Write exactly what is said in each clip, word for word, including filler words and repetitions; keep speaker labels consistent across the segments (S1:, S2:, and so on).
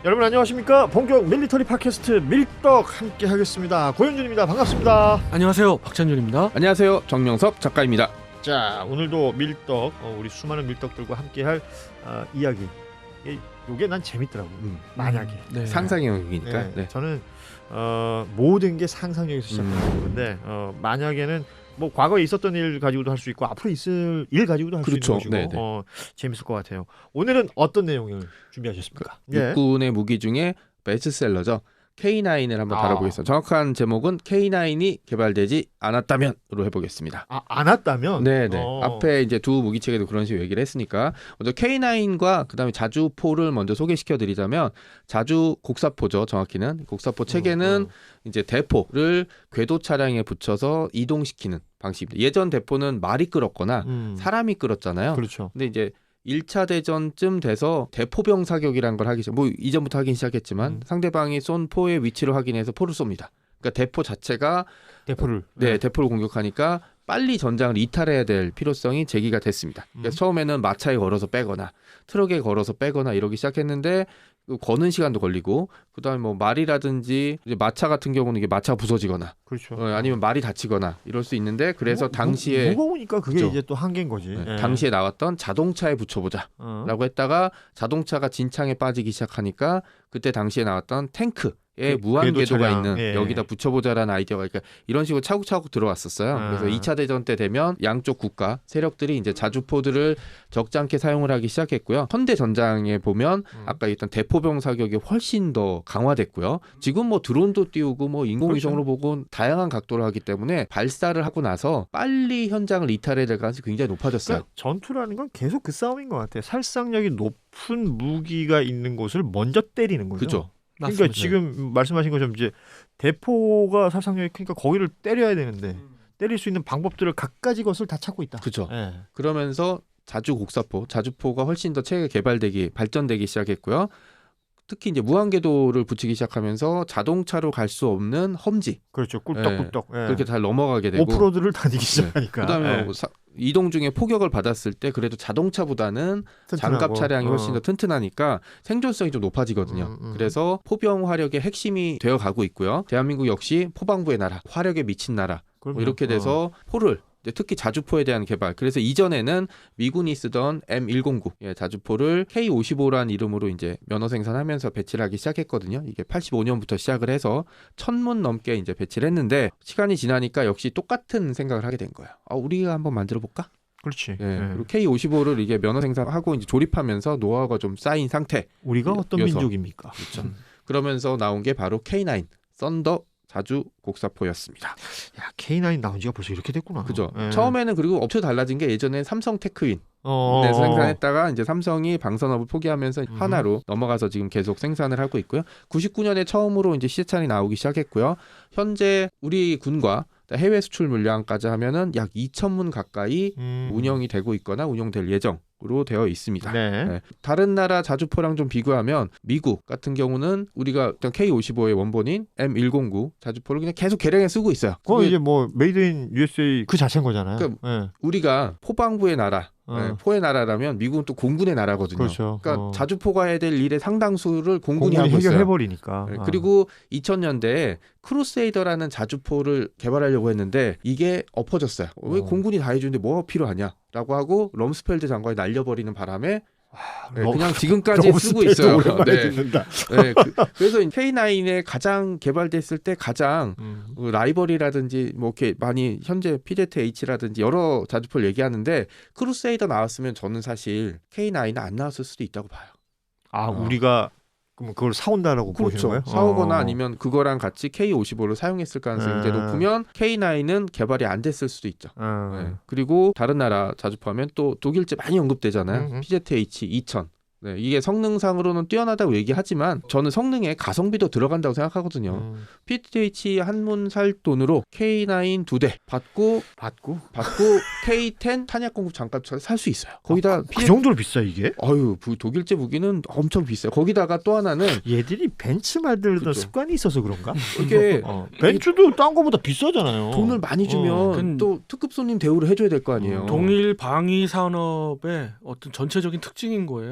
S1: 여러분 안녕하십니까? 본격 밀리터리 팟캐스트 밀떡 함께 하겠습니다. 고현준입니다. 반갑습니다.
S2: 안녕하세요. 박찬준입니다.
S3: 안녕하세요. 정명섭 작가입니다.
S1: 자, 오늘도 밀떡, 어, 우리 수많은 밀떡들과 함께할 어, 이야기. 이, 요게 난 재밌더라고. 음, 만약에.
S3: 네. 상상의 영역이니까.
S1: 네,
S3: 네.
S1: 저는 어, 모든 게 상상력에서 시작하는 음. 건데 어, 만약에는 뭐 과거에 있었던 일 가지고도 할 수 있고 앞으로 있을 일 가지고도 할 수
S3: 그렇죠.
S1: 있는 것이고 어, 재밌을 것 같아요. 오늘은 어떤 내용을 준비하셨습니까?
S3: 그, 예. 육군의 무기 중에 베스트셀러죠. 케이 나인을 한번
S1: 아.
S3: 다뤄보겠습니다. 정확한 제목은 케이 나인이 개발되지 않았다면으로 해보겠습니다.
S1: 아, 않았다면?
S3: 네네.
S1: 어.
S3: 앞에 이제 두 무기체계도 그런 식으로 얘기를 했으니까 먼저 케이 나인과 그다음에 자주포를 먼저 소개시켜드리자면 자주 곡사포죠. 정확히는 곡사포 체계는 어, 어. 이제 대포를 궤도 차량에 붙여서 이동시키는 방식입니다. 예전 대포는 말이 끌었거나 음. 사람이 끌었잖아요.
S1: 그렇죠.
S3: 근데 이제 일 차 대전쯤 돼서 대포병 사격이라는 걸 하기 시작. 뭐 이전부터 하긴 시작했지만 음. 상대방이 쏜 포의 위치를 확인해서 포를 쏩니다. 그러니까 대포 자체가
S1: 대포를
S3: 네,
S1: 네.
S3: 대포를 공격하니까 빨리 전장을 이탈해야 될 필요성이 제기가 됐습니다. 그러니까 음. 처음에는 마차에 걸어서 빼거나 트럭에 걸어서 빼거나 이러기 시작했는데 거는 시간도 걸리고 그다음에 뭐 말이라든지 이제 마차 같은 경우는 이게 마차가 부서지거나
S1: 그렇죠.
S3: 어, 아니면 말이 다치거나 이럴 수 있는데 그래서
S1: 무,
S3: 당시에
S1: 무거우니까 그게
S3: 그렇죠.
S1: 이제 또 한계인 거지.
S3: 네,
S1: 네.
S3: 당시에 나왔던 자동차에 붙여보자 어. 라고 했다가 자동차가 진창에 빠지기 시작하니까 그때 당시에 나왔던 탱크 에 무한 궤도가 있는 예. 여기다 붙여보자라는 아이디어가 그러니까 이런 식으로 차곡차곡 들어왔었어요. 아. 그래서 이 차 대전 때 되면 양쪽 국가 세력들이 이제 자주포들을 적잖게 사용을 하기 시작했고요. 현대 전장에 보면 음. 아까 얘기했던 대포병 사격이 훨씬 더 강화됐고요. 지금 뭐 드론도 띄우고 뭐 인공위성으로 그렇죠. 보고 다양한 각도를 하기 때문에 발사를 하고 나서 빨리 현장을 이탈해야 될 가능성이 굉장히 높아졌어요.
S1: 그러니까 전투라는 건 계속 그 싸움인 것 같아요. 살상력이 높은 무기가 있는 곳을 먼저 때리는 거죠.
S3: 그렇죠.
S1: 그러니까
S3: 맞습니다.
S1: 지금 말씀하신 것처럼 이제 대포가 살상력이 크니까 거기를 때려야 되는데 음. 때릴 수 있는 방법들을 갖가지 것을 다 찾고 있다.
S3: 그렇죠.
S1: 네.
S3: 그러면서 자주 곡사포, 자주포가 훨씬 더 체계 개발되기, 발전되기 시작했고요. 특히 이제 무한궤도를 붙이기 시작하면서 자동차로 갈 수 없는 험지,
S1: 그렇죠, 꿀떡꿀떡
S3: 네. 네. 그렇게 잘 넘어가게 되고
S1: 오프로드를 다니기 시작하니까.
S3: 네. 그다음에 뭐 사, 이동 중에 포격을 받았을 때 그래도 자동차보다는 튼튼하고. 장갑 차량이 훨씬 어. 더 튼튼하니까 생존성이 좀 높아지거든요. 음, 음. 그래서 포병 화력의 핵심이 되어가고 있고요. 대한민국 역시 포방부의 나라, 화력에 미친 나라 뭐 이렇게 돼서 어. 포를 특히 자주포에 대한 개발. 그래서 이전에는 미군이 쓰던 엠 백구 예, 자주포를 케이 오십오라는 이름으로 이제 면허 생산하면서 배치를 하기 시작했거든요. 이게 팔십오 년부터 시작을 해서 천 문 넘게 이제 배치를 했는데 시간이 지나니까 역시 똑같은 생각을 하게 된 거예요. 아, 우리가 한번 만들어 볼까?
S1: 그렇지.
S3: 예,
S1: 네.
S3: 그리고 케이 오십오를 이게 면허 생산하고 이제 조립하면서 노하우가 좀 쌓인 상태.
S1: 우리가 어떤 여서. 민족입니까?
S3: 그렇죠. 음. 그러면서 나온 게 바로 케이 나인 썬더 자주 곡사포였습니다.
S1: 야, 케이 나인 나온 지가 벌써 이렇게 됐구나.
S3: 그죠.
S1: 예.
S3: 처음에는 그리고 업체 달라진 게 예전에 삼성 테크윈
S1: 어...
S3: 네, 생산했다가 이제 삼성이 방산업을 포기하면서 음. 하나로 넘어가서 지금 계속 생산을 하고 있고요. 구십구 년에 처음으로 이제 시제찬이 나오기 시작했고요. 현재 우리 군과 해외 수출 물량까지 하면은 약 이천 문 가까이 음. 운영이 되고 있거나 운영될 예정으로 되어 있습니다.
S1: 네.
S3: 네. 다른 나라 자주포랑 좀 비교하면 미국 같은 경우는 우리가 케이 오십오의 원본인 엠 백구 자주포를 그냥 계속 개량해 쓰고 있어요.
S1: 그거 이제 뭐 메이드 인 유에스에이 그 자체인 거잖아요. 그러니까
S3: 네. 우리가 포방부의 나라 어. 네, 포의 나라라면 미국은 또 공군의 나라거든요.
S1: 그렇죠.
S3: 그러니까
S1: 어.
S3: 자주포가 해야 될 일의 상당수를 공군이,
S1: 공군이
S3: 하고 있어요.
S1: 해결해버리니까.
S3: 네,
S1: 어.
S3: 그리고 이천 년대에 크루세이더라는 자주포를 개발하려고 했는데 이게 엎어졌어요. 어. 왜 공군이 다 해주는데 뭐가 필요하냐라고 하고 럼스펠드 장관이 날려버리는 바람에 네, 그냥 지금까지 쓰고 있어요. 네. 네, 그, 그래서 케이 나인에 가장 개발됐을 때 가장 음. 라이벌이라든지 뭐 이렇게 많이 현재 피제트에이치라든지 여러 자주포를 얘기하는데 크루세이더 나왔으면 저는 사실 케이 나인은 안 나왔을 수도 있다고 봐요.
S1: 아,
S3: 어.
S1: 우리가 그럼 그걸 사온다라고
S3: 그렇죠.
S1: 보시는 거예요?
S3: 사오거나
S1: 어.
S3: 아니면 그거랑 같이 케이 오십오를 사용했을 가능성이 굉장히 높으면 케이 나인은 개발이 안 됐을 수도 있죠.
S1: 어.
S3: 네. 그리고 다른 나라 자주포하면 또 독일제 많이 언급되잖아요.
S1: 음흠.
S3: 피제트에이치 이천. 네, 이게 성능상으로는 뛰어나다고 얘기하지만 저는 성능에 가성비도 들어간다고 생각하거든요. 음. 피제트에이치 한문 살 돈으로 케이 나인 두 대 받고
S1: 받고
S3: 받고 케이 텐 탄약 공급 잠깐 살 수 있어요. 거기다
S1: 아, 그, 피제... 그 정도로 비싸 이게?
S3: 아유, 독일제 무기는 엄청 비싸요. 거기다가 또 하나는
S1: 얘들이 벤츠 만들던 그렇죠. 습관이 있어서 그런가?
S3: 이게
S1: 어. 벤츠도 딴 거보다 비싸잖아요.
S3: 돈을 많이 주면 어. 또 특급 손님 대우를 해줘야 될 거 아니에요.
S2: 동일 방위 산업의 어떤 전체적인 특징인 거예요. 그러니까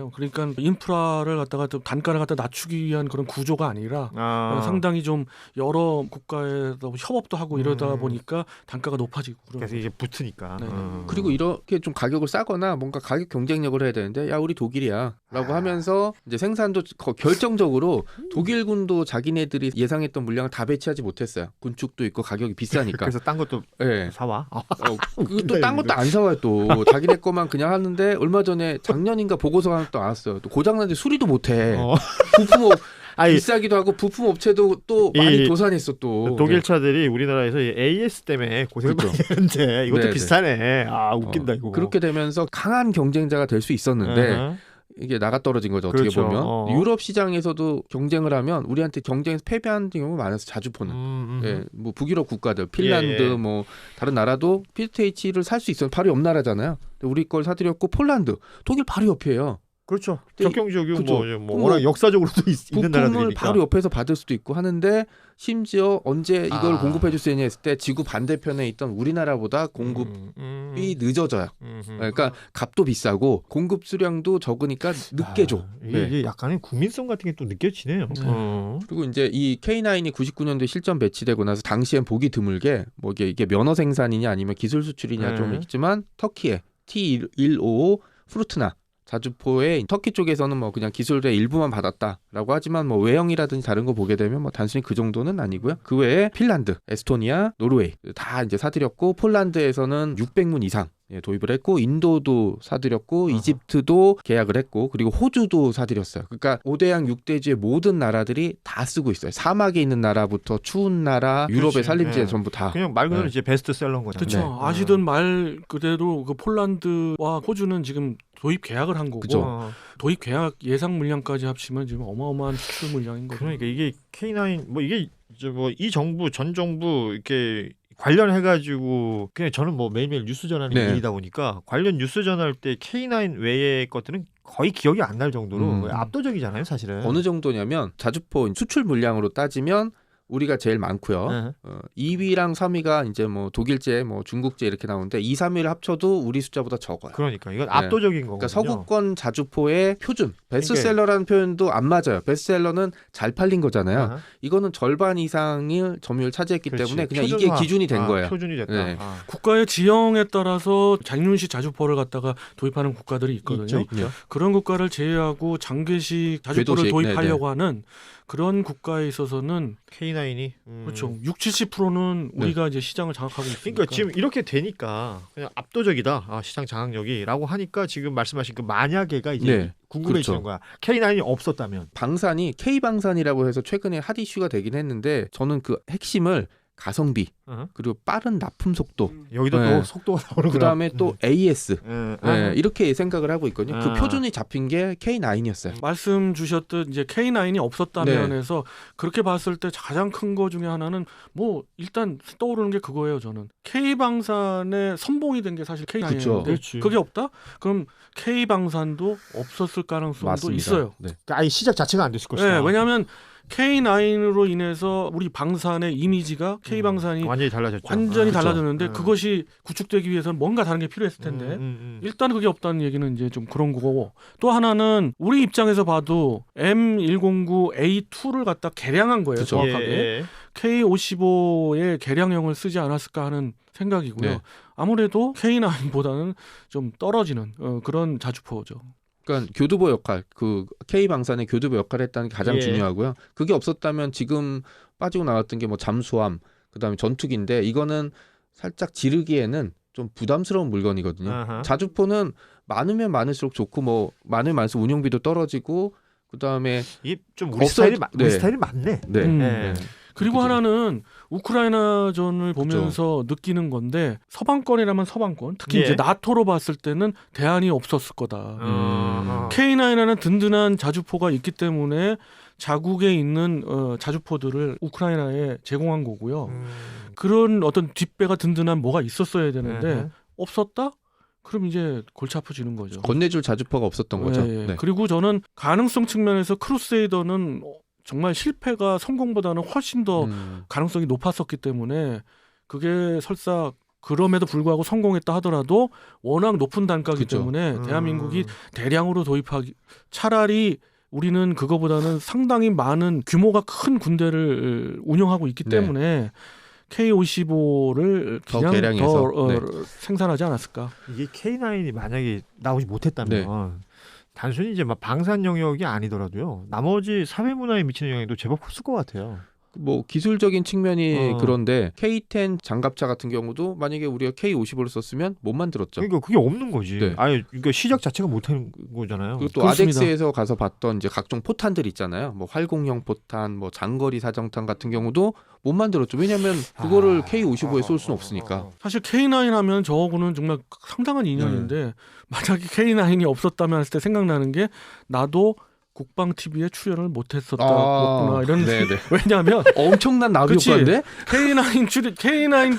S2: 약간 인프라를 갖다가 좀 단가를 갖다 낮추기 위한 그런 구조가 아니라
S1: 아.
S2: 상당히 좀 여러 국가에서 협업도 하고 이러다
S1: 음.
S2: 보니까 단가가 높아지고 그런
S1: 그래서 이제 붙으니까.
S2: 네.
S1: 어.
S3: 그리고 이렇게 좀 가격을 싸거나 뭔가 가격 경쟁력을 해야 되는데 야 우리 독일이야라고
S1: 아.
S3: 하면서 이제 생산도 거- 결정적으로 독일군도 자기네들이 예상했던 물량을 다 배치하지 못했어요. 군축도 있고 가격이 비싸니까.
S1: 그래서 딴 것도
S3: 예.
S1: 사와. 아,
S3: 어,
S1: 웃긴다,
S3: 또딴 것도 안 사와요 또. 자기네 거만 그냥 하는데 얼마 전에 작년인가 보고서가 하나 또 나왔어요. 또 고장난데 수리도 못해.
S1: 어.
S3: 부품업
S1: 아니,
S3: 비싸기도 하고 부품 업체도 또 많이
S1: 이-
S3: 도산했어 또.
S1: 독일
S3: 네.
S1: 차들이 우리나라에서 이 에이에스 때문에 고생을
S3: 그렇죠.
S1: 많이 하는데 이것도
S3: 네네.
S1: 비싸네. 아 웃긴다
S3: 어,
S1: 이거.
S3: 그렇게 되면서 강한 경쟁자가 될 수 있었는데
S1: 어허.
S3: 이게 나가 떨어진 거죠. 어떻게
S1: 그렇죠.
S3: 보면
S1: 어.
S3: 유럽 시장에서도 경쟁을 하면 우리한테 경쟁에서 패배하는 경우가 많아서 자주 보는.
S1: 음, 음.
S3: 예, 뭐 북유럽 국가들, 핀란드,
S1: 예, 예.
S3: 뭐 다른 나라도 피지에이치를 살 수 있어요. 바로 옆 나라잖아요. 근데 우리 걸 사들였고 폴란드, 독일 바로 옆이에요.
S1: 그렇죠.
S3: 근데
S1: 적경 지역이
S3: 그렇죠.
S1: 뭐, 뭐
S3: 뭐
S1: 워낙 역사적으로도 있, 있는
S3: 부품을
S1: 나라들이니까.
S3: 바로 옆에서 받을 수도 있고 하는데 심지어 언제 이걸
S1: 아.
S3: 공급해 줄 수 있냐 했을 때 지구 반대편에 있던 우리나라보다 공급이
S1: 음, 음.
S3: 늦어져요.
S1: 음, 음.
S3: 그러니까 값도 비싸고 공급 수량도 적으니까 늦게 줘.
S1: 아, 이게,
S3: 네.
S1: 이게 약간의 국민성 같은 게 또 느껴지네요.
S2: 네.
S1: 어.
S3: 그리고 이제 이 케이 나인이 구십구 년도에 실전 배치되고 나서 당시엔 보기 드물게 뭐 이게, 이게 면허 생산이냐 아니면 기술 수출이냐
S1: 네.
S3: 좀 있지만 터키에 티 백오십오 프루트나 자주포의 터키 쪽에서는 뭐 그냥 기술의 일부만 받았다라고 하지만 뭐 외형이라든지 다른 거 보게 되면 뭐 단순히 그 정도는 아니고요. 그 외에 핀란드, 에스토니아, 노르웨이 다 이제 사들였고 폴란드에서는 육백 문 이상 예, 도입을 했고 인도도 사들였고
S1: 어허.
S3: 이집트도 계약을 했고 그리고 호주도 사들였어요. 그러니까 오대양 육대주의 모든 나라들이 다 쓰고 있어요. 사막에 있는 나라부터 추운 나라, 유럽의
S1: 그렇지.
S3: 산림지에
S1: 네.
S3: 전부 다.
S1: 그냥 말 그대로
S3: 네.
S1: 이제 베스트셀러인 거잖아요.
S2: 그렇죠.
S3: 네.
S2: 아시던 말 그대로 그 폴란드와 호주는 지금 도입 계약을 한 거고
S3: 그죠.
S1: 어.
S2: 도입 계약 예상 물량까지 합치면 지금 어마어마한 수출 물량인 거죠.
S1: 그러니까 이게 케이 나인 뭐 이게 뭐 이 정부 전 정부 이렇게 관련해 가지고 그냥 저는 뭐 매일매일 뉴스 전하는
S3: 네.
S1: 일이다 보니까 관련 뉴스 전할 때 케이 나인 외의 것들은 거의 기억이 안 날 정도로
S3: 음.
S1: 압도적이잖아요, 사실은.
S3: 어느 정도냐면 자주포 수출 물량으로 따지면 우리가 제일 많고요.
S1: 네.
S3: 어, 이 위랑 삼 위가 이제 뭐 독일제, 뭐 중국제 이렇게 나오는데 이, 삼 위를 합쳐도 우리 숫자보다 적어요.
S1: 그러니까 이건 압도적인 거거든요.
S3: 그러니까 서구권 자주포의 표준 베스트셀러라는 표현도 안 맞아요. 베스트셀러는 잘 팔린 거잖아요.
S1: 아하.
S3: 이거는 절반 이상을 점유율 차지했기
S1: 그렇지.
S3: 때문에 그냥
S1: 표준화.
S3: 이게 기준이 된
S1: 아,
S3: 거예요.
S1: 표준이 됐다.
S3: 네.
S1: 아.
S2: 국가의 지형에 따라서 장륜식 자주포를 갖다가 도입하는 국가들이 있거든요.
S1: 있죠, 있죠.
S2: 그런 국가를 제외하고 장기식 자주포를
S3: 궤도식,
S2: 도입하려고 하는 그런 국가에 있어서는
S1: 케이 나인이 음.
S2: 그렇죠. 육십, 칠십 퍼센트는 우리가 이제 시장을 장악하고 있으니까.
S1: 그러니까 지금 이렇게 되니까 그냥 압도적이다. 아, 시장 장악력이라고 하니까 지금 말씀하신 그 만약에가 이제
S3: 네,
S1: 궁금해지는
S3: 그렇죠.
S1: 거야. 케이 나인이 없었다면.
S3: 방산이 K 방산이라고 해서 최근에 핫 이슈가 되긴 했는데 저는 그 핵심을 가성비
S1: 어허.
S3: 그리고 빠른 납품 속도
S1: 여기도
S3: 네.
S1: 또 속도가 나오는
S3: 그 다음에 또 에이에스
S1: 음.
S3: 네, 이렇게 생각을 하고 있거든요. 그
S1: 아.
S3: 표준이 잡힌 게 케이 나인이었어요.
S2: 말씀 주셨듯 이제 케이 나인이 없었다면
S3: 네.
S2: 해서 그렇게 봤을 때 가장 큰 거 중에 하나는 뭐 일단 떠오르는 게 그거예요. 저는 K 방산의 선봉이 된 게 사실 케이
S3: 그쵸.
S2: 나인인데
S1: 그렇지.
S2: 그게 없다? 그럼 K 방산도 없었을 가능성도
S3: 맞습니다.
S2: 있어요.
S3: 네.
S1: 그러니까 아예 시작 자체가 안 됐을 것이다.
S2: 네, 왜냐하면 케이 나인으로 인해서 우리 방산의 이미지가 K 방산이
S1: 완전히 달라졌죠.
S2: 완전히
S1: 아,
S2: 달라졌는데
S1: 음.
S2: 그것이 구축되기 위해서는 뭔가 다른 게 필요했을 텐데
S1: 음, 음, 음.
S2: 일단 그게 없다는 얘기는 이제 좀 그런 거고 또 하나는 우리 입장에서 봐도 엠 백구 에이 투를 갖다 개량한 거예요.
S3: 그쵸.
S2: 정확하게
S1: 예.
S2: 케이 오십오의 개량형을 쓰지 않았을까 하는 생각이고요.
S3: 네.
S2: 아무래도 케이 나인보다는 좀 떨어지는 어, 그런 자주포죠.
S3: 그러니까 교두보 역할, 그 K 방산의 교두보 역할을 했다는 게 가장
S1: 예.
S3: 중요하고요. 그게 없었다면 지금 빠지고 나왔던 게 뭐 잠수함, 그다음에 전투기인데 이거는 살짝 지르기에는 좀 부담스러운 물건이거든요.
S1: 아하.
S3: 자주포는 많으면 많을수록 좋고 뭐 많으면 많을수록 운용비도 떨어지고 그다음에
S1: 이게 좀 우리
S3: 없어도-
S1: 스타일이 마- 우리
S3: 네.
S1: 스타일이 맞네.
S3: 네.
S2: 음.
S1: 네.
S2: 그리고
S3: 그죠.
S2: 하나는 우크라이나전을 보면서 느끼는 건데 서방권이라면 서방권, 특히
S1: 예.
S2: 이제 나토로 봤을 때는 대안이 없었을 거다.
S1: 어.
S2: 케이 나인에는 든든한 자주포가 있기 때문에 자국에 있는 어, 자주포들을 우크라이나에 제공한 거고요.
S1: 음.
S2: 그런 어떤 뒷배가 든든한 뭐가 있었어야 되는데
S1: 음흠.
S2: 없었다? 그럼 이제 골치 아파지는 거죠.
S3: 건네줄 자주포가 없었던 거죠.
S2: 예, 예.
S3: 네.
S2: 그리고 저는 가능성 측면에서 크루세이더는 정말 실패가 성공보다는 훨씬 더
S3: 음.
S2: 가능성이 높았었기 때문에 그게 설사 그럼에도 불구하고 성공했다 하더라도 워낙 높은 단가이기
S3: 그쵸.
S2: 때문에
S1: 음.
S2: 대한민국이 대량으로 도입하기 차라리 우리는 그거보다는 상당히 많은 규모가 큰 군대를 운영하고 있기
S3: 네.
S2: 때문에 케이 오십오를
S3: 더
S2: 그냥
S3: 개량해서,
S2: 더 어,
S3: 네.
S2: 생산하지 않았을까.
S1: 이게 케이 나인이 만약에 나오지 못했다면
S3: 네.
S1: 단순히 이제 막 방산 영역이 아니더라도요. 나머지 사회 문화에 미치는 영향도 제법 컸을 것 같아요.
S3: 뭐 기술적인 측면이
S1: 어.
S3: 그런데 케이 텐 장갑차 같은 경우도 만약에 우리가 케이 오십오를 썼으면 못 만들었죠.
S1: 그러니까 그게 없는 거지.
S3: 네.
S1: 아예 그러니까 시작 자체가 못하는 거잖아요.
S3: 그리고 또
S2: 그렇습니다.
S3: 아덱스에서 가서 봤던 이제 각종 포탄들 있잖아요. 뭐 활공형 포탄, 뭐 장거리 사정탄 같은 경우도 못 만들었죠. 왜냐하면 그거를
S1: 아.
S3: 케이 오십오에 쏠 수는 없으니까.
S2: 사실 케이 나인 하면 저하고는 정말 상당한 인연인데
S3: 네.
S2: 만약에 케이 나인이 없었다면 했을 때 생각나는 게 나도 국방 티비에 출연을 못했었다구나 이런
S3: 아, 네네.
S2: 왜냐하면
S3: 엄청난 나비
S2: 그치.
S3: 효과인데?
S2: 케이 나인 출연 케이 나인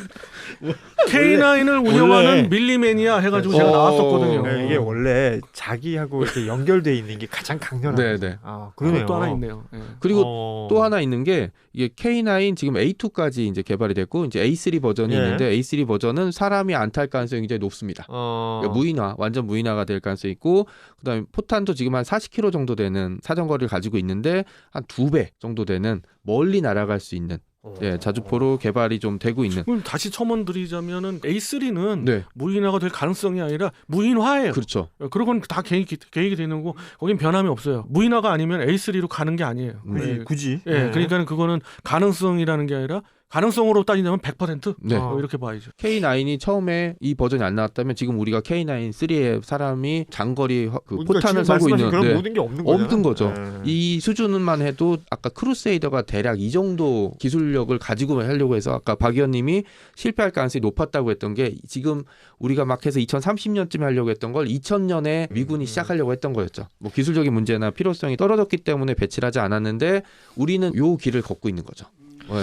S2: 케이 나인을 운영하는
S1: 원래-
S2: 밀리매니아 해가지고
S3: 어,
S2: 제가 나왔었거든요.
S1: 네, 이게 원래 자기하고 이렇게 연결돼 있는 게 가장 강렬한.
S3: 네,
S1: 거죠.
S3: 네.
S1: 아, 그러네요.
S2: 그것도 하나 있네요. 예.
S3: 그리고
S1: 어...
S3: 또 하나 있는 게 이게 케이 나인 지금 에이 투까지 이제 개발이 됐고 이제 에이 쓰리 버전이
S1: 예.
S3: 있는데 에이 쓰리 버전은 사람이 안 탈 가능성이 굉장히 높습니다.
S1: 어...
S3: 그러니까 무인화, 완전 무인화가 될 가능성이 있고 그다음에 포탄도 지금 한 사십 킬로미터 정도 되는 사정거리를 가지고 있는데 한 두 배 정도 되는 멀리 날아갈 수 있는 예, 자주포로 개발이 좀 되고 있는.
S2: 그럼 다시 첨언드리자면은 에이 쓰리는
S3: 네,
S2: 무인화가 될 가능성이 아니라 무인화예요.
S3: 그렇죠.
S2: 그런 건 다 계획이, 계획이 되는 거고 거긴 변함이 없어요. 무인화가 아니면 에이 쓰리로 가는 게 아니에요.
S1: 굳이,
S2: 예,
S1: 굳이.
S2: 예,
S1: 네.
S2: 그러니까 그거는 가능성이라는 게 아니라 가능성으로 따지자면 백 퍼센트
S3: 네.
S2: 어, 이렇게 봐야죠.
S3: 케이 나인이 처음에 이 버전이 안 나왔다면 지금 우리가 케이 나인 쓰리에 사람이 장거리 화- 그
S1: 그러니까
S3: 포탄을
S1: 지금
S3: 쏘고
S1: 말씀하신
S3: 있는
S1: 그런
S3: 네.
S1: 모든 게 없는 거죠.
S3: 없는 거죠. 이 수준만 해도 아까 크루세이더가 대략 이 정도 기술력을 가지고 하려고 해서 아까 박 의원님이 실패할 가능성이 높았다고 했던 게 지금 우리가 막 해서 이천삼십 년쯤에 하려고 했던 걸 이천 년에 미군이 시작하려고 했던 거였죠. 뭐 기술적인 문제나 필요성이 떨어졌기 때문에 배치를 하지 않았는데 우리는 요 길을 걷고 있는 거죠. 네.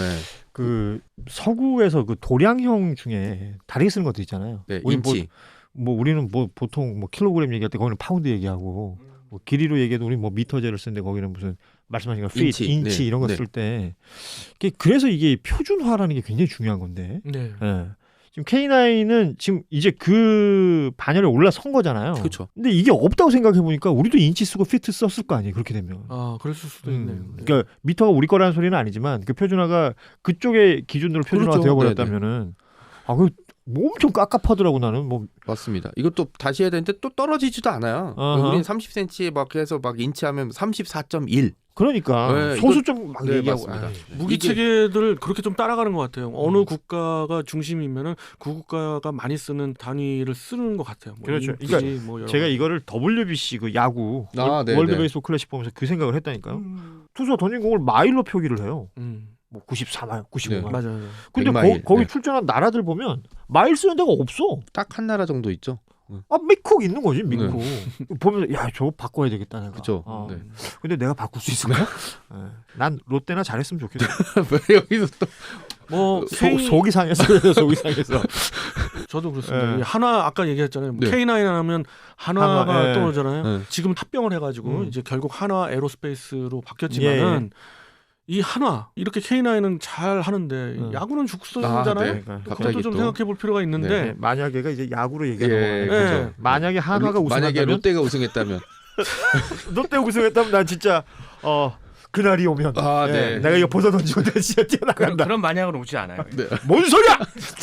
S1: 그 서구에서 그 도량형 중에 다르게 쓰는 것도 있잖아요.
S3: 네,
S1: 우리
S3: 인치.
S1: 뭐, 뭐 우리는 뭐 보통 뭐 킬로그램 얘기할 때 거기는 파운드 얘기하고 뭐 길이로 얘기해도 우리 뭐 미터제를 쓰는데 거기는 무슨 말씀하신 거 feet,
S3: 인치.
S1: 인치,
S3: 네.
S1: 이런 거
S3: 네.
S1: 쓸 때 그래서 이게 표준화라는 게 굉장히 중요한 건데.
S2: 네.
S1: 예. 지금 케이 나인은 지금 이제 그 반열에 올라선 거잖아요.
S3: 그렇죠.
S1: 근데 이게 없다고 생각해 보니까 우리도 인치 쓰고 피트 썼을 거 아니에요. 그렇게 되면.
S2: 아, 그랬을 수도 있네요.
S1: 음, 그러니까 미터가 우리 거라는 소리는 아니지만 그 표준화가 그쪽의 기준으로 표준화가
S3: 그렇죠.
S1: 되어버렸다면은 아, 그 뭐 엄청 깝깝하더라고 나는 뭐.
S3: 맞습니다. 이것도 다시 해야 되는데 또 떨어지지도 않아요.
S1: 어허.
S3: 우리는 삼십 센티미터에 막 해서 막 인치하면 삼십사 점 일.
S1: 그러니까
S3: 네,
S1: 소수점 막
S3: 네,
S1: 얘기하고.
S3: 맞습니다.
S1: 아이,
S2: 무기
S3: 이게-
S2: 체계들을 그렇게 좀 따라가는 것 같아요. 어느 국가가 중심이면은 그 국가가 많이 쓰는 단위를 쓰는 것 같아요. 뭐
S1: 그렇죠.
S2: 인치,
S1: 그러니까
S2: 뭐 여러
S1: 제가
S2: 가지.
S1: 이거를 더블유비씨 그 야구
S3: 아,
S1: 월-
S3: 네,
S1: 월드
S3: 네.
S1: 베이스볼 클래식 보면서 그 생각을 했다니까요.
S2: 음,
S1: 투수가 던진 공을 마일로 표기를 해요.
S2: 음,
S1: 뭐 구십사 마일, 구십오 마일.
S2: 맞아요.
S1: 근데
S3: 백 마일.
S1: 거, 거기
S3: 네.
S1: 출전한 나라들 보면 마일 쓰는 데가 없어.
S3: 딱 한 나라 정도 있죠.
S1: 아, 미쿡 있는 거지, 미쿡. 보면서 야, 저거 바꿔야 되겠다 내가.
S3: 그쵸.
S1: 어.
S3: 네.
S1: 근데 내가 바꿀 수 있을까? 예. 난 롯데나 잘했으면 좋겠어.
S3: 왜 여기서 또
S2: 뭐
S1: 속,
S2: K,
S1: 속이 상해서 그래요, 속이 상해서.
S2: 저도 그렇습니다.
S1: 예.
S2: 이 한화 아까 얘기했잖아요. 뭐
S3: 네.
S2: 케이 나인 하면 한화가
S1: 한화, 예.
S2: 떠오르잖아요.
S3: 네.
S2: 지금 합병을 해가지고
S1: 음.
S2: 이제 결국 한화 에로스페이스로 바뀌었지만은 이 한화 이렇게 케이 나인은 잘 하는데
S1: 음.
S2: 야구는
S3: 아,
S2: 죽쓰잖아요.
S3: 네.
S1: 그러니까.
S2: 그것도
S3: 갑자기
S2: 좀
S3: 또.
S2: 생각해 볼 필요가 있는데
S1: 네, 만약에가 이제 야구로 얘기하는
S3: 예,
S1: 거예요.
S2: 그죠.
S1: 네. 만약에 한화가
S3: 만약에
S1: 우승한다면
S3: 롯데가 우승했다면
S1: 롯데 우승했다면 난 진짜 어 그날이 오면
S3: 아,
S1: 예,
S3: 네.
S1: 내가 이거 벗어 던지고 내가 진짜
S4: 그런,
S1: 뛰어나간다.
S4: 그런 만약은 오지 않아요.
S3: 네.
S1: 뭔 소리야?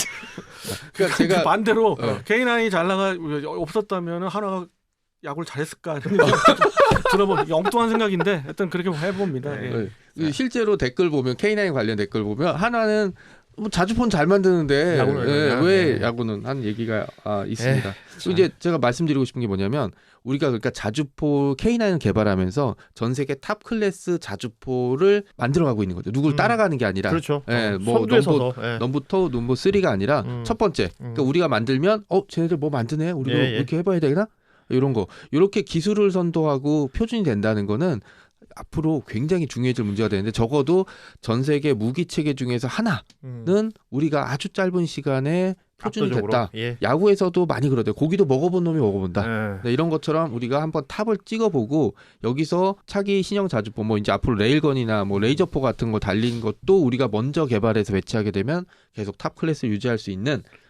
S3: 그러니까
S2: 그
S3: 제가
S2: 반대로
S3: 어.
S2: 케이 나인이 잘 나가 없었다면 한화가 야구를 잘했을까 이런 생각 들어보면 엉뚱한 생각인데 하여튼 그렇게 해봅니다.
S1: 네.
S2: 예.
S3: 네. 실제로 댓글 보면 케이 나인 관련 댓글 보면 하나는 뭐 자주폰 잘 만드는데
S1: 야구는
S3: 예,
S1: 그냥,
S3: 왜
S1: 네.
S3: 야구는 한 얘기가 아, 있습니다. 그리고 이제 제가 말씀드리고 싶은 게 뭐냐면 우리가 그러니까 자주포 케이 나인을 개발하면서 전 세계 탑 클래스 자주포를 만들어가고 있는 거죠. 누굴
S1: 음.
S3: 따라가는 게 아니라
S1: 그렇죠.
S3: 예,
S1: 어,
S3: 뭐
S1: 선두에
S3: 넘버
S1: 서서. 예.
S3: 넘부터 넘버 쓰리가 아니라
S1: 음.
S3: 첫 번째. 그러니까
S1: 음.
S3: 우리가 만들면 어 쟤네들 뭐 만드네. 우리도
S1: 예, 예.
S3: 이렇게 해봐야 되나? 이런 거. 이렇게 기술을 선도하고 표준이 된다는 거는 앞으로 굉장히 중요해질 문제가 되는데 적어도 전 세계 무기 체계 중에서 하나는
S1: 음.
S3: 우리가 아주 짧은 시간에 표준이
S1: 압도적으로.
S3: 됐다.
S1: 예.
S3: 야구에서도 많이 그러대요. 고기도 먹어본 놈이 먹어본다.
S1: 예.
S3: 네, 이런 것처럼 우리가 한번 탑을 찍어보고 여기서 차기 신형 자주포 뭐 이제 앞으로 레일건이나 뭐 레이저포 같은 거 달린 것도 우리가 먼저 개발해서 배치하게 되면 계속 탑 클래스를 유지할 수 있는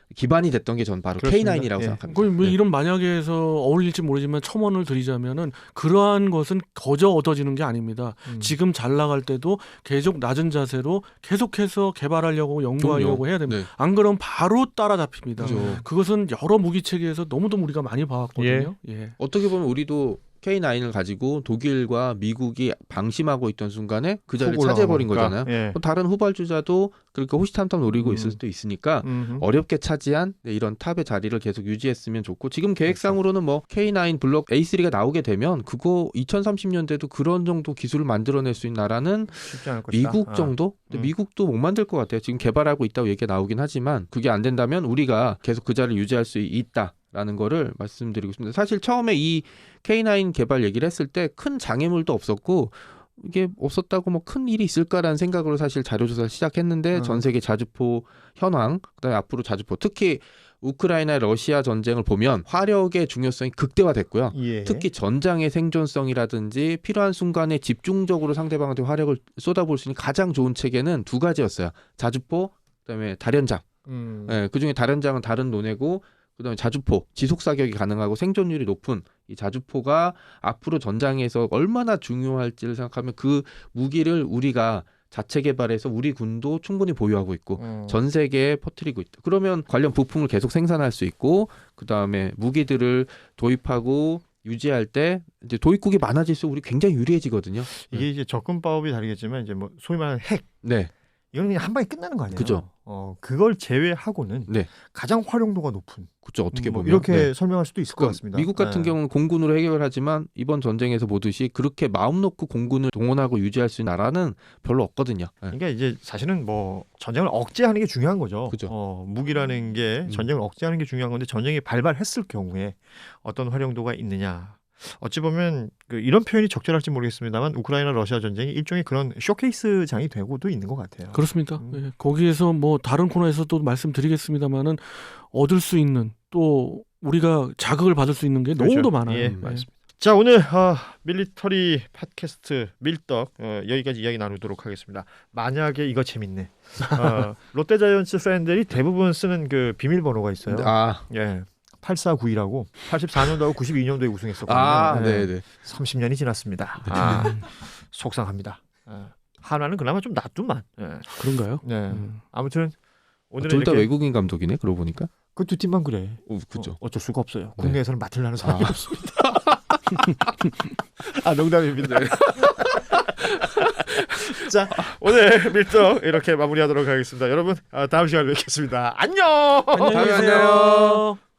S3: 기반이 됐던 게 전 바로
S1: 그렇습니다.
S3: 케이나인이라고
S1: 예.
S3: 생각합니다.
S2: 거의 뭐
S3: 네.
S2: 이런 만약에서 어울릴지 모르지만 첨언을 드리자면은 그러한 것은 거저 얻어지는 게 아닙니다.
S1: 음.
S2: 지금 잘 나갈 때도 계속 낮은 자세로 계속해서 개발하려고 연구하려고 해야 됩니다.
S3: 네.
S2: 안 그러면 바로 따라잡힙니다.
S3: 그죠.
S2: 그것은 여러 무기 체계에서 너무도 우리가 많이 봐왔거든요. 예.
S3: 어떻게 보면 우리도 케이나인을 가지고 독일과 미국이 방심하고 있던 순간에 그 자리를
S1: 훅
S3: 차지해버린
S1: 올라가니까.
S3: 거잖아요.
S1: 예.
S3: 또 다른 후발주자도 그렇게 호시탐탐 노리고
S1: 음.
S3: 있을 수도 있으니까
S1: 음흠.
S3: 어렵게 차지한 네, 이런 탑의 자리를 계속 유지했으면 좋고 지금 계획상으로는 뭐 케이나인 블록 에이 쓰리가 나오게 되면 그거 이천삼십 년대도 그런 정도 기술을 만들어낼 수 있는 나라는
S1: 쉽지 않을 것이다.
S3: 미국
S1: 아.
S3: 정도? 근데
S1: 음.
S3: 미국도 못 만들 것 같아요. 지금 개발하고 있다고 얘기가 나오긴 하지만 그게 안 된다면 우리가 계속 그 자리를 유지할 수 있다. 라는 거를 말씀드리고 싶습니다. 사실 처음에 이 케이나인 개발 얘기를 했을 때 큰 장애물도 없었고 이게 없었다고 뭐 큰 일이 있을까라는 생각으로 사실 자료조사를 시작했는데
S1: 음.
S3: 전 세계 자주포 현황, 그다음에 앞으로 자주포, 특히 우크라이나 러시아 전쟁을 보면 화력의 중요성이 극대화됐고요.
S1: 예.
S3: 특히 전장의 생존성이라든지 필요한 순간에 집중적으로 상대방한테 화력을 쏟아볼 수 있는 가장 좋은 체계는 두 가지였어요. 자주포, 그다음에 다련장.
S1: 음.
S3: 예, 그중에 다련장은 다른 논외고 그다음에 자주포, 지속 사격이 가능하고 생존율이 높은 이 자주포가 앞으로 전장에서 얼마나 중요할지를 생각하면 그 무기를 우리가 자체 개발해서 우리 군도 충분히 보유하고 있고
S1: 음.
S3: 전 세계에 퍼뜨리고 있다. 그러면 관련 부품을 계속 생산할 수 있고 그다음에 무기들을 도입하고 유지할 때 이제 도입국이 많아질수록 우리 굉장히 유리해지거든요.
S1: 이게 이제 접근법이 다르겠지만 이제 뭐 소위 말하는 핵
S3: 네.
S1: 이건 그냥 한 방에 끝나는 거 아니에요?
S3: 그죠.
S1: 어, 그걸 제외하고는
S3: 네.
S1: 가장 활용도가 높은
S3: 그렇죠. 어떻게
S1: 뭐
S3: 보면
S1: 이렇게
S3: 네.
S1: 설명할 수도 있을 것
S3: 그러니까
S1: 같습니다.
S3: 미국 같은
S1: 네.
S3: 경우는 공군으로 해결하지만 이번 전쟁에서 보듯이 그렇게 마음 놓고 공군을 동원하고 유지할 수 있는 나라는 별로 없거든요. 네.
S1: 그러니까 이제 사실은 뭐 전쟁을 억제하는 게 중요한 거죠.
S3: 그죠.
S1: 어, 무기라는 게
S3: 음.
S1: 전쟁을 억제하는 게 중요한 건데 전쟁이 발발했을 경우에 어떤 활용도가 있느냐. 어찌 보면 그 이런 표현이 적절할지 모르겠습니다만 우크라이나 러시아 전쟁이 일종의 그런 쇼케이스장이 되고도 있는 것 같아요.
S2: 그렇습니다.
S1: 음.
S2: 예. 거기에서 뭐 다른 코너에서도 말씀드리겠습니다만은 얻을 수 있는 또 우리가 자극을 받을 수 있는 게
S1: 그렇죠.
S2: 너무도 많아요.
S1: 예,
S2: 예.
S1: 맞습니다. 자, 오늘 어, 밀리터리 팟캐스트 밀떡 어, 여기까지 이야기 나누도록 하겠습니다. 만약에 이거 재밌네. 어, 롯데자이언츠 팬들이 대부분 쓰는 그 비밀번호가 있어요.
S3: 아,
S1: 예. 팔사구이라고 팔십사 년도하고 구십이 년도에 우승했었거든요.
S3: 아,
S1: 예.
S3: 네, 네.
S1: 삼십 년이 지났습니다. 아, 속상합니다. 예. 하나는 그나마 좀 놔두만. 예.
S2: 그런가요?
S1: 네.
S2: 음.
S1: 아무튼 오늘은
S3: 둘 다
S1: 이렇게
S3: 외국인 감독이네. 그러고 보니까.
S1: 그 두 팀만 그래.
S3: 오, 그죠.
S1: 어, 어쩔 수가 없어요.
S3: 네.
S1: 국내에서는 맡으려는 사람이
S3: 아.
S1: 없습니다. 아, 농담입니다. 자, 오늘 밀떡 이렇게 마무리하도록 하겠습니다. 여러분, 아, 다음 시간에 뵙겠습니다. 안녕.
S2: 안녕히
S3: 다음에
S2: 계세요.